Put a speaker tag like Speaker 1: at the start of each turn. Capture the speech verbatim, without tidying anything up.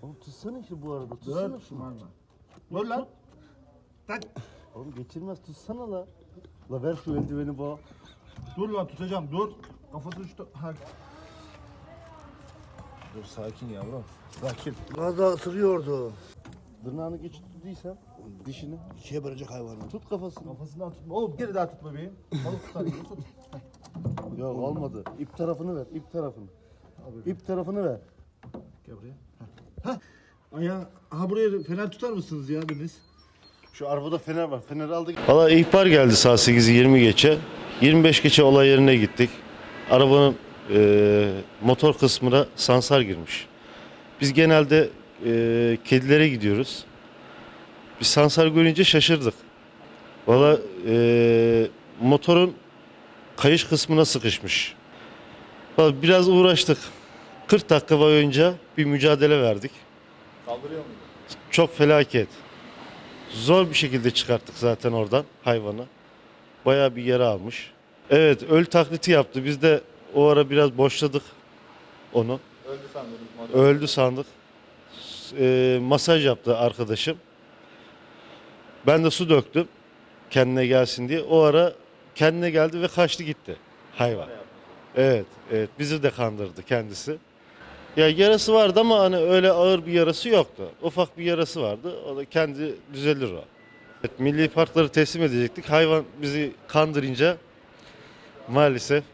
Speaker 1: Oğlum tutsana işte bu arada. Tutsana
Speaker 2: Dur.
Speaker 1: şunu.
Speaker 2: Dur lan. Tak.
Speaker 1: Oğlum geçirmez tutsana la. La ver şu eldiveni bana.
Speaker 2: Dur lan tutacağım dur. Kafası uçtu. Ha. Dur sakin yavrum. Sakin.
Speaker 3: Az daha ısırıyordu.
Speaker 1: Tırnağını geçirdiysen dişini
Speaker 3: İkiye bölecek hayvanı.
Speaker 1: tut kafasını.
Speaker 2: Kafasından tutma. Oğlum geri daha tut bebeğim. Balık tutar gibi tut.
Speaker 1: Ya olmadı. İp tarafını ver. İp tarafını. İp tarafını ver.
Speaker 2: Gel buraya. Hah. Ayağı, aha buraya fener tutar mısınız ya biriniz?
Speaker 1: Şu arabada fener var. Feneri aldık. Valla ihbar geldi saat sekizi yirmi geçe. yirmi beş geçe olay yerine gittik. Arabanın e, motor kısmına sansar girmiş. Biz genelde e, kedilere gidiyoruz. Biz sansar görünce şaşırdık. Valla e, motorun kayış kısmına sıkışmış. Vallahi biraz uğraştık. kırk dakika boyunca bir mücadele verdik.
Speaker 2: Kaldırıyor muydu?
Speaker 1: Çok felaket. Zor bir şekilde çıkarttık zaten oradan hayvanı. Bayağı bir yara almış. Evet, öl taklidi yaptı. Biz de o ara biraz boşladık onu.
Speaker 2: Öldü sandım.
Speaker 1: Öldü sandık. E, masaj yaptı arkadaşım. Ben de su döktüm kendine gelsin diye. O ara kendine geldi ve kaçtı gitti hayvan. Evet, evet bizi de kandırdı kendisi. Ya yarası vardı ama hani öyle ağır bir yarası yoktu. Ufak bir yarası vardı. O da kendi düzelir o. Evet, milli parkları teslim edecektik. Hayvan bizi kandırınca maalesef